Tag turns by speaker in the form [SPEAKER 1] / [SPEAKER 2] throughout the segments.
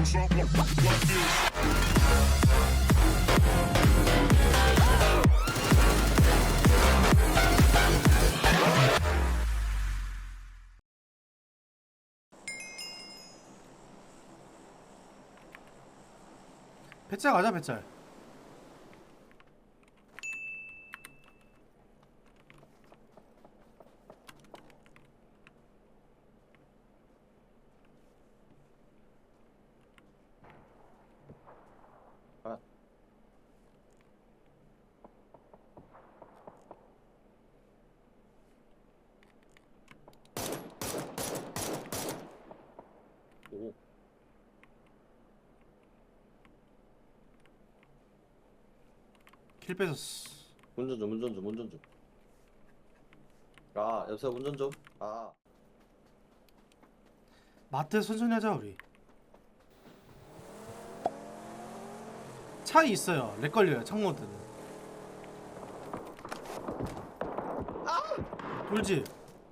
[SPEAKER 1] 배짤 가자 배짤.
[SPEAKER 2] 아. 오.
[SPEAKER 1] 킬 뺏었어.
[SPEAKER 2] 운전 좀, 운전 좀, 운전 좀. 아, 여보세요, 운전 좀. 아,
[SPEAKER 1] 마트 천천히 하자 우리. 차이 있어요. 렉 걸려요 창모드는. 돌집.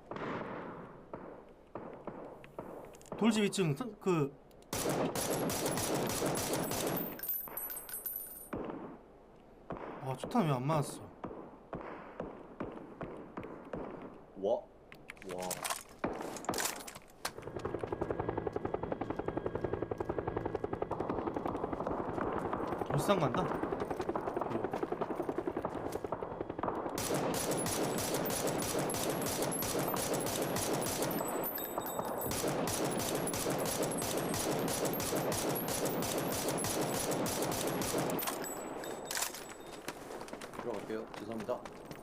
[SPEAKER 1] 돌집 2층 그 아 초탄 왜 안 맞았어?
[SPEAKER 2] 와, 와.
[SPEAKER 1] 울산 간다.
[SPEAKER 2] 들어갈게요. 죄송합니다.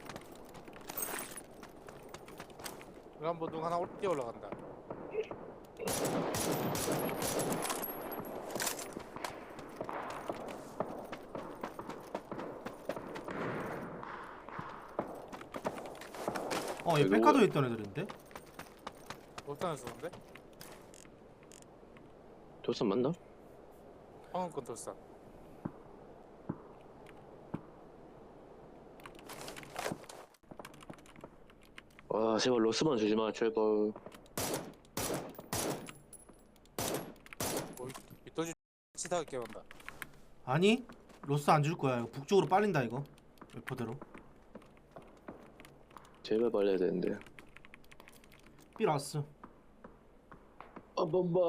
[SPEAKER 3] 외관보동 하나 뛰어 올라간다.
[SPEAKER 1] 얘 백화도에 있던 애들인데?
[SPEAKER 3] 돌산을 쓰는데?
[SPEAKER 4] 돌산 맞나?
[SPEAKER 3] 황금권 돌산.
[SPEAKER 4] 와 제발 로스만 주지마 제발.
[SPEAKER 3] 밑도지 치다가 깨운다.
[SPEAKER 1] 아니 로스 안 줄 거야. 이거 북쪽으로 빨린다 이거. 웨퍼대로.
[SPEAKER 4] 제발 말려야 되는데.
[SPEAKER 1] 삘 왔어.
[SPEAKER 4] 한 번만.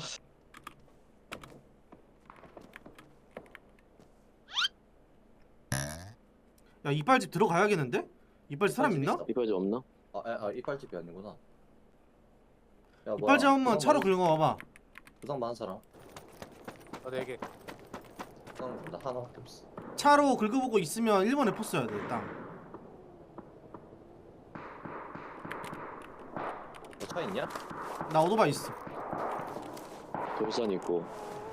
[SPEAKER 1] 야 이빨집 들어가야겠는데? 이빨집 사람 있나?
[SPEAKER 2] 있어?
[SPEAKER 4] 이빨 좀 없나?
[SPEAKER 2] 이빨집이 아니구나. 야, 뭐야.
[SPEAKER 1] 이빨집 한번 차로 긁어와봐.
[SPEAKER 2] 부상 많은 사람?
[SPEAKER 3] 네 개.
[SPEAKER 2] 부상 나 하나밖에 없어.
[SPEAKER 1] 차로 긁어보고 있으면 1번에 포 써야 돼 땅.
[SPEAKER 2] 너 차 있냐?
[SPEAKER 1] 나 오토바이 있어.
[SPEAKER 4] 돌산 있고.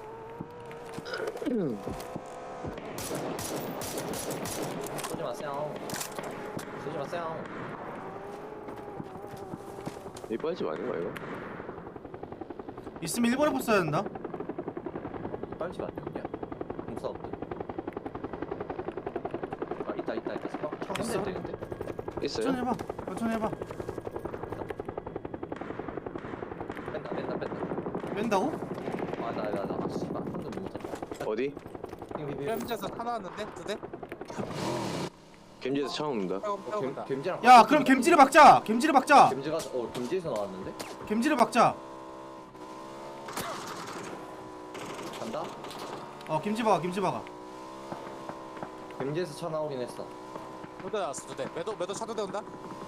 [SPEAKER 2] 쏘지 마세요. 쏘지 마세요.
[SPEAKER 4] 이빨집 아닌가 이거?
[SPEAKER 1] 있으면 1번에 포 써야 된다.
[SPEAKER 2] 이빨집 아니었냐? 공사 없대. 아, 있다. 차
[SPEAKER 1] 있어?
[SPEAKER 2] 흔들 때 근데.
[SPEAKER 4] 있어요?
[SPEAKER 1] 천천히 해봐. 천천히 해봐.
[SPEAKER 2] 뺀다.
[SPEAKER 1] 뺀다고?
[SPEAKER 2] 나 씨발 한대 못 잡아.
[SPEAKER 4] 어디?
[SPEAKER 3] 뺨에서 하나 왔는데? 두 대?
[SPEAKER 4] gem지에서 차 온다.
[SPEAKER 3] 빼고
[SPEAKER 2] gem지랑.
[SPEAKER 1] 야 그럼 겜지를 박자. 겜지를 박자.
[SPEAKER 2] gem지가 gem지에서 나왔는데?
[SPEAKER 1] 겜지를 박자.
[SPEAKER 2] 간다?
[SPEAKER 1] 겜지 박아. 겜지 박아.
[SPEAKER 2] gem지에서 차 나오긴 했어.
[SPEAKER 3] 두대 나왔어 두 대. 매도 차도 대온다.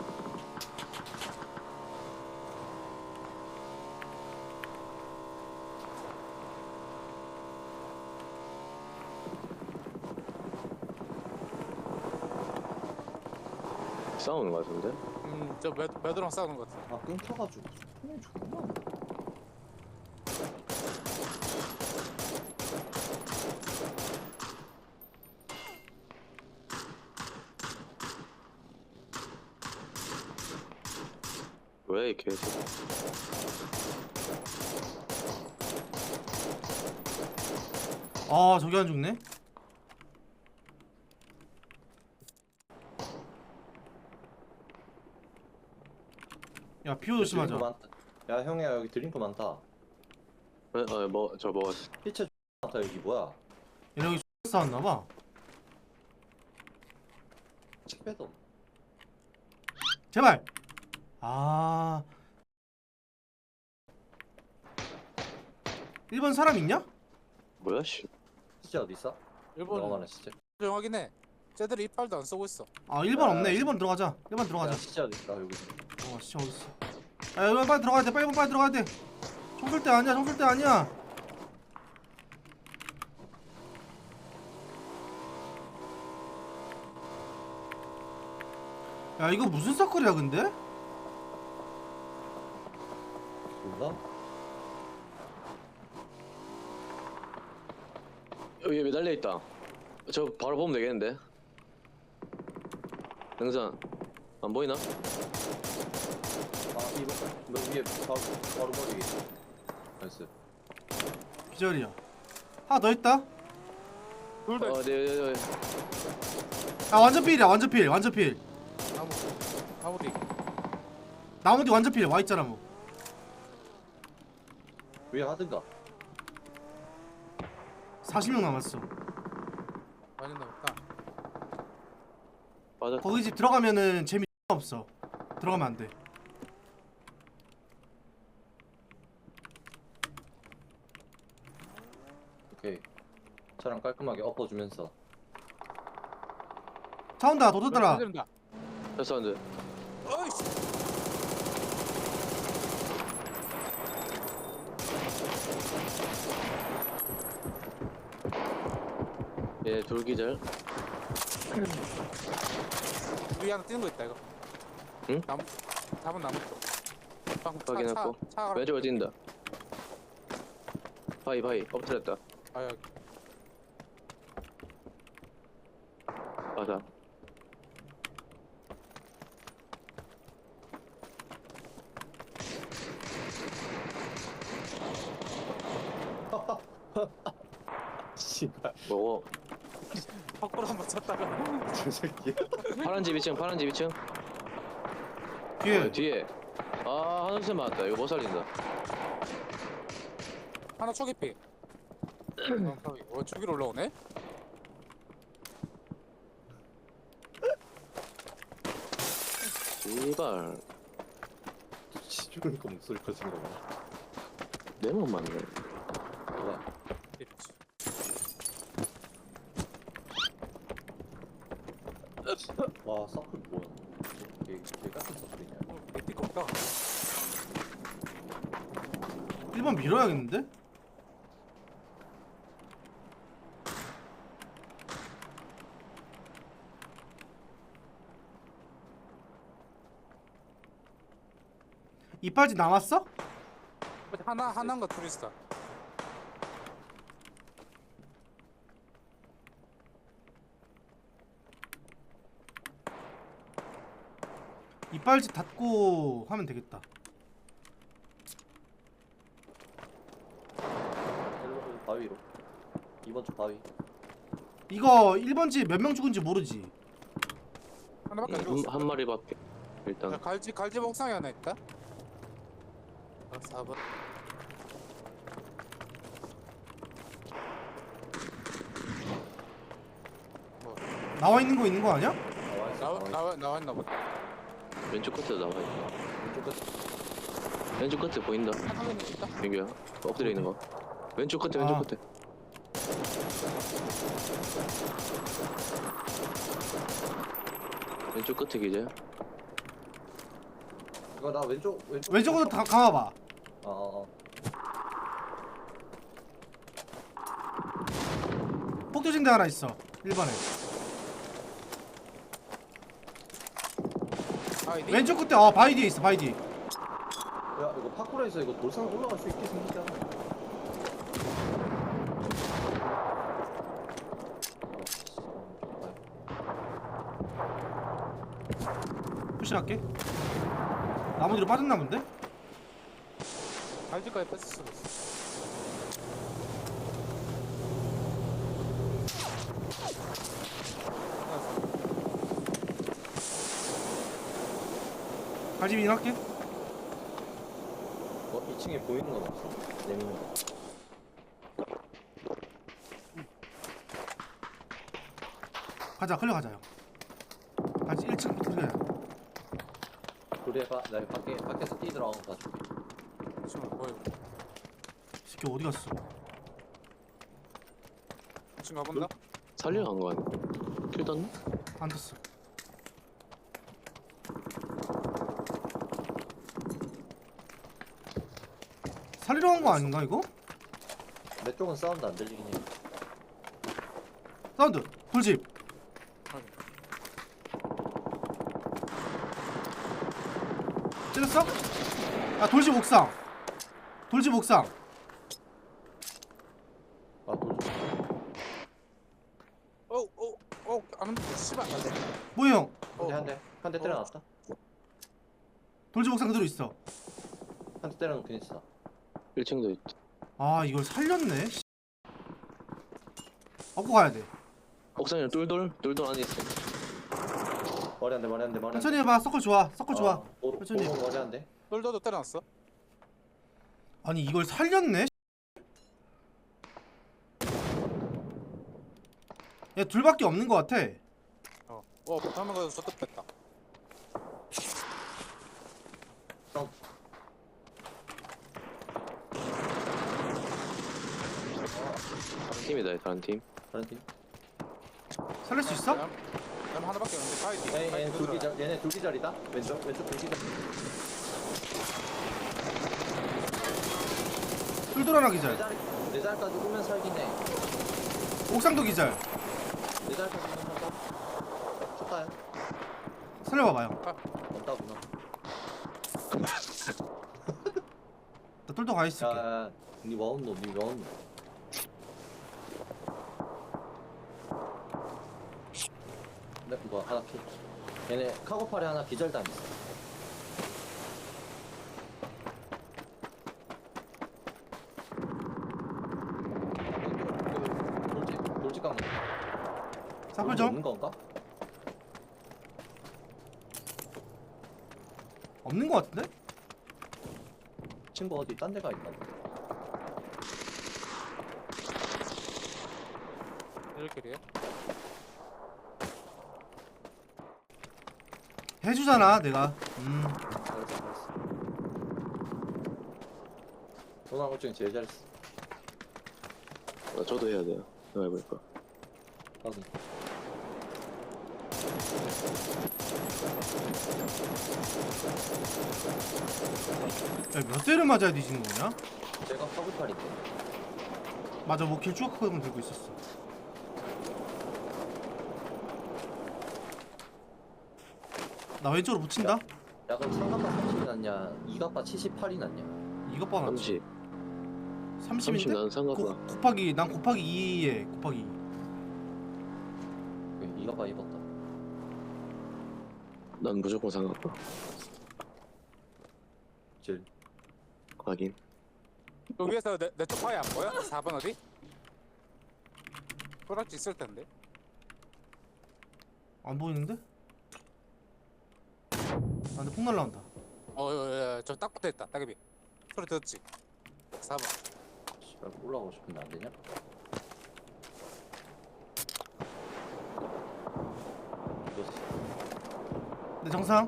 [SPEAKER 4] 싸우는 거 같은데?
[SPEAKER 3] 저 매도랑 싸우는 것 같아.
[SPEAKER 2] 아, 끊겨가지고 손이 존나 안 돼.
[SPEAKER 4] 왜 이 개새끼.
[SPEAKER 1] 저기 안 죽네. 야 피오 조심하자.
[SPEAKER 2] 드링크 많다. 야, 형이야, 여기 드링크 많다.
[SPEAKER 4] 저 먹었어.
[SPEAKER 2] 피체 같아 여기 뭐야?
[SPEAKER 1] 얘네 여기 싸웠나봐.
[SPEAKER 2] 책 빼도.
[SPEAKER 1] 제발. 아 1번 사람 있냐?
[SPEAKER 4] 뭐야, 씨.
[SPEAKER 2] 시체 어디 있어?
[SPEAKER 3] 일본
[SPEAKER 2] 너만한 시체.
[SPEAKER 3] 조용하긴 해. 쟤들이 이빨도 안 쏘고 있어.
[SPEAKER 1] 아 1번 없네. 1번 들어가자. 1번 들어가자.
[SPEAKER 2] 야, 시체 어디 있어? 여기.
[SPEAKER 1] 진짜 어딨어. 야 여기 빨리 들어가야 돼. 빨리 들어가야 돼. 총 쏠 때 아니야. 총 쏠 때 아니야. 야 이거 무슨 서클이야 근데?
[SPEAKER 2] 몰라?
[SPEAKER 4] 여기 매달려 있다. 저 바로 보면 되겠는데. 영상 안 보이나?
[SPEAKER 2] 아 이거 너 위에 바로 머리. 나이스.
[SPEAKER 1] 기절이야. 하나 더 있다.
[SPEAKER 3] 둘다
[SPEAKER 4] 네.
[SPEAKER 1] 아 완전 필이야. 완전 필. 완전 필.
[SPEAKER 3] 나무 뒤.
[SPEAKER 1] 나무 뒤 완전 필. 와 있잖아 뭐.
[SPEAKER 2] 위에 하든가.
[SPEAKER 1] 40명 남았어.
[SPEAKER 3] 많이 남았다.
[SPEAKER 4] 맞아.
[SPEAKER 1] 거기 집 들어가면은 재미 없어. 들어가면 안 돼.
[SPEAKER 2] 오케이. 차랑 깔끔하게 엎어주면서.
[SPEAKER 1] 차 온다. 도둑들아.
[SPEAKER 3] 들린다.
[SPEAKER 4] 저 사운드.
[SPEAKER 3] 어이씨.
[SPEAKER 4] 예, 돌기절.
[SPEAKER 3] 우리 하나 뛰는 거 있다 이거.
[SPEAKER 4] 응?
[SPEAKER 3] 나무. 잡은 나무 쪽. 방금
[SPEAKER 4] 확인했고.
[SPEAKER 3] 차
[SPEAKER 4] 왼쪽으로 뛴다. 바위 엎드렸다.
[SPEAKER 3] 아 여기.
[SPEAKER 4] 맞아.
[SPEAKER 2] 씨발.
[SPEAKER 4] 먹어.
[SPEAKER 3] 밖으로 한번 쳤다가.
[SPEAKER 2] 저 새끼.
[SPEAKER 4] 파란 집 2층.
[SPEAKER 1] 뒤에.
[SPEAKER 4] 뒤에. 아, 하늘색 맞았다. 이거 못 살린다.
[SPEAKER 3] 하나 초기피. 저기로 올라오네?
[SPEAKER 4] 이발.
[SPEAKER 2] 죽으니까 목소리 커진 거 봐.
[SPEAKER 4] 내몸 맞네.
[SPEAKER 2] 뭐야? 와 서클 뭐야? 개 같은 서클이냐?
[SPEAKER 3] 내띠 없다.
[SPEAKER 1] 1번 밀어야겠는데? 이빨지 남았어?
[SPEAKER 3] 하나인가 둘 있어.
[SPEAKER 1] 이빨지 닫고 하면 되겠다.
[SPEAKER 2] 일로 바위로. 2번 쪽 바위.
[SPEAKER 1] 이거 1번 집 몇 명 죽은지 모르지.
[SPEAKER 3] 하나밖에 안 죽었어.
[SPEAKER 4] 한 마리밖에. 일단.
[SPEAKER 3] 야, 갈지 옥상에 하나 있다. 4번.
[SPEAKER 1] 나와 있는 거 있는 거 아니야?
[SPEAKER 3] 나와 있나 보다.
[SPEAKER 4] 왼쪽 끝에 나와 있다.
[SPEAKER 2] 왼쪽 끝.
[SPEAKER 4] 왼쪽 끝에 보인다.
[SPEAKER 3] 하나 있다.
[SPEAKER 4] 민규야. 엎드려 있는 거. 왼쪽 끝에.
[SPEAKER 1] 아.
[SPEAKER 4] 왼쪽 끝에 기재.
[SPEAKER 2] 이거 나 왼쪽.
[SPEAKER 1] 왼쪽으로 다 감아봐.
[SPEAKER 2] 어.
[SPEAKER 1] 폭도진대 하나 있어. 1번에.
[SPEAKER 3] 아이디.
[SPEAKER 1] 왼쪽 끝에 바위 뒤에 있어. 바위 뒤에.
[SPEAKER 2] 야 이거 파쿠르에서 이거 돌산 올라갈 수 있게 생기지 않아?
[SPEAKER 1] 푸시할게. 나무 뒤로 빠졌나 본데?
[SPEAKER 3] 갈지까지 뺐을 수도 있어.
[SPEAKER 1] 갈집이 할게.
[SPEAKER 2] 2층에 보이는 건 없어. 내미는 거.
[SPEAKER 1] 가자 클리어 가자 형. 같이 1층부터 클리어.
[SPEAKER 2] 우리 해봐. 나 밖에서 뛰 들어간 거 봐줄게.
[SPEAKER 3] 지금 뭐야?
[SPEAKER 1] 새끼 어디 갔어?
[SPEAKER 3] 지금 가본다.
[SPEAKER 4] 살리러 간 거 아니야? 킬 떴나?
[SPEAKER 1] 안 됐어. 살리러 간 거 아닌가 이거?
[SPEAKER 2] 내 쪽은 사운드 안 들리긴 해.
[SPEAKER 1] 사운드 돌집. 찔렀어? 아 돌집 옥상. 돌집 옥상.
[SPEAKER 2] 아, 돌.
[SPEAKER 3] 안 돼. 씨발. 안 돼.
[SPEAKER 1] 뭐야 형?
[SPEAKER 2] 한 대 때려놨다.
[SPEAKER 1] 돌집 옥상 그대로 있어.
[SPEAKER 2] 한 대 때려놓긴 했어.
[SPEAKER 4] 1층도 있다.
[SPEAKER 1] 아 이걸 살렸네. 업고 가야 돼.
[SPEAKER 4] 옥상에 똘똘 안에 있어.
[SPEAKER 2] 머리 한 대, 머리 한 대, 머리 한 대.
[SPEAKER 1] 천천히 해봐. 서클 좋아. 서클 좋아. 천천히.
[SPEAKER 2] 오른 머리 한 대.
[SPEAKER 3] 똘똘도 때려놨어.
[SPEAKER 1] 아니 이걸 살렸네. 야 둘밖에 없는 것 같아.
[SPEAKER 3] 못하면 가서 저도 뺐다.
[SPEAKER 4] 다른 팀이다, 다른 팀.
[SPEAKER 2] 다른 팀.
[SPEAKER 1] 살릴 수 있어?
[SPEAKER 3] 남 하나밖에 없는데 파이팅.
[SPEAKER 2] 얘네 둘기절, 얘네 둘기절이다. 왼쪽 둘기절.
[SPEAKER 1] 뚫돌 하나 기절.
[SPEAKER 2] 내 자리까지 오면 살긴 해.
[SPEAKER 1] 옥상도 기절.
[SPEAKER 2] 내 자리까지 오면 살까? 쳤다요?
[SPEAKER 1] 살려봐봐요.
[SPEAKER 2] 없다구나.
[SPEAKER 1] 나 뚫돌 가 있을게.
[SPEAKER 2] 야, 니 와운노. 네, 뭐 하나 킬. 얘네 카고팔에 하나 기절당했어. 돌직 간 거.
[SPEAKER 1] 사플 좀.
[SPEAKER 2] 없는 건가?
[SPEAKER 1] 없는 것 같은데?
[SPEAKER 2] 친구 어디 딴 데가 있나 보다.
[SPEAKER 3] 이렇게래요?
[SPEAKER 1] 해주잖아 내가.
[SPEAKER 2] 잘했어. 오늘 한것 중에 제일 잘했어.
[SPEAKER 4] 저도 해야 돼요. 내가 해볼까.
[SPEAKER 2] 확인.
[SPEAKER 1] 야몇 대를 맞아야 뒤지는 거냐?
[SPEAKER 2] 제가 카고팔인데.
[SPEAKER 1] 맞아 뭐 길쭉하고만 들고 있었어. 나 왼쪽으로 붙인다.
[SPEAKER 2] 야 그럼 3갑바 30이 낫냐 2갑바 78이 낫냐.
[SPEAKER 1] 이것 봐 놨지.
[SPEAKER 4] 30.
[SPEAKER 1] 30인데?
[SPEAKER 4] 나는 상관없어.
[SPEAKER 1] 곱하기 난 곱하기 2에 곱하기 2.
[SPEAKER 2] 2갑바 입었다.
[SPEAKER 4] 난 무조건 상관없어.
[SPEAKER 2] 제일
[SPEAKER 4] 확인.
[SPEAKER 3] 여기에서 내쪽 파이 안 보여? 4번 어디? 꼬락지 있을 텐데.
[SPEAKER 1] 안 보이는데? 아 근데 폭 날라온다.
[SPEAKER 3] 저딱 붙어있다. 따개비 소리 들었지? 4번.
[SPEAKER 2] 씨발 올라가고 싶은데 안 되냐? 이거지.
[SPEAKER 1] 내 정상.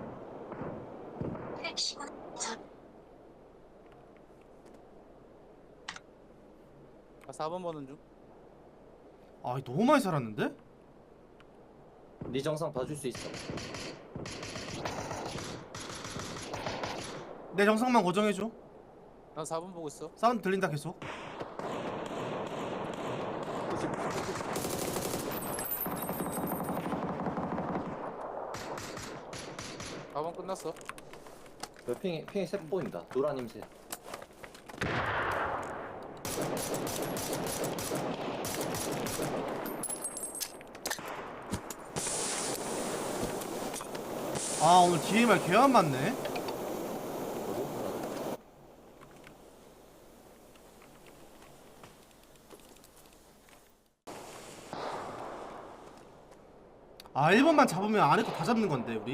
[SPEAKER 3] 아, 4번 보는 중.
[SPEAKER 1] 아 너무 많이 살았는데?
[SPEAKER 2] 네 정상 봐줄 수 있어.
[SPEAKER 1] 내 정상만 고정해줘.
[SPEAKER 3] 난 4번 보고 있어.
[SPEAKER 1] 사운드 들린다 계속.
[SPEAKER 3] 사 번 끝났어.
[SPEAKER 2] 핑이 셋 보인다. 노란임 셋.
[SPEAKER 1] 아 오늘 DMR 개 안 맞네. 아 1번만 잡으면 안에 거 다 잡는 건데 우리.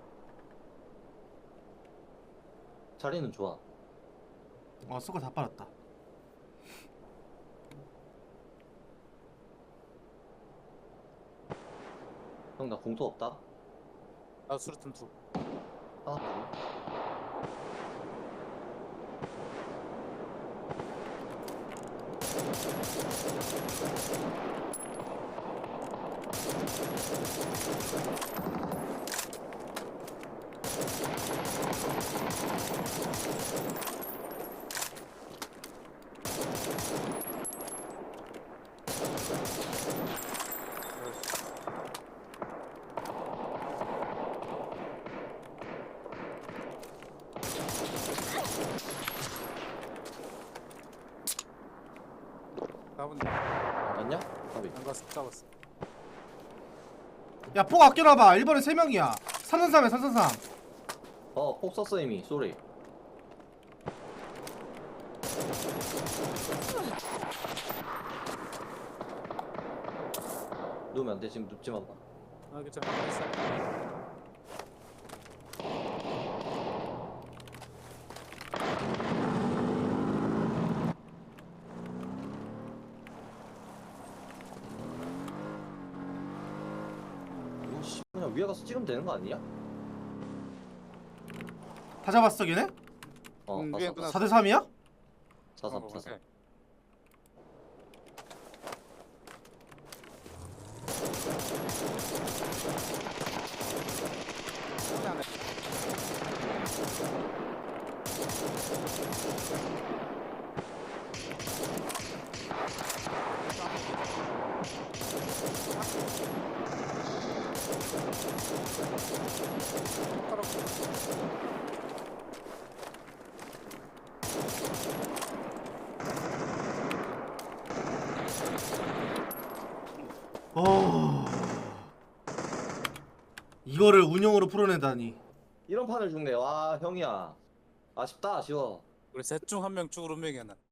[SPEAKER 2] 자리는 좋아.
[SPEAKER 1] 서클 다 빨았다.
[SPEAKER 2] 형 나 공터 없다.
[SPEAKER 3] 나 수류탄 투.
[SPEAKER 2] 하나 더.
[SPEAKER 3] 잡은
[SPEAKER 2] 맞냐? 가비.
[SPEAKER 3] 안 갔어. 잡았어.
[SPEAKER 1] 야폭 아껴놔봐. 1번에 3명이야. 333에 333.
[SPEAKER 2] 폭 썼어 이미. 쏘리. 누우면 안 돼. 지금 눕지 마.
[SPEAKER 3] 아 괜찮아. 있어.
[SPEAKER 2] 이거 씨 그냥 위에 가서 찍으면 되는 거 아니야?
[SPEAKER 1] 다 잡았어 걔네?
[SPEAKER 3] 위에 누나
[SPEAKER 1] 4대 3이야?
[SPEAKER 2] 4-3 4-3.
[SPEAKER 1] 이거를 운영으로 풀어내다니.
[SPEAKER 2] 이런 판을 죽네. 와 형이야. 아쉽다 아쉬워.
[SPEAKER 3] 우리 셋 중 한 명 죽을 운명이야 난.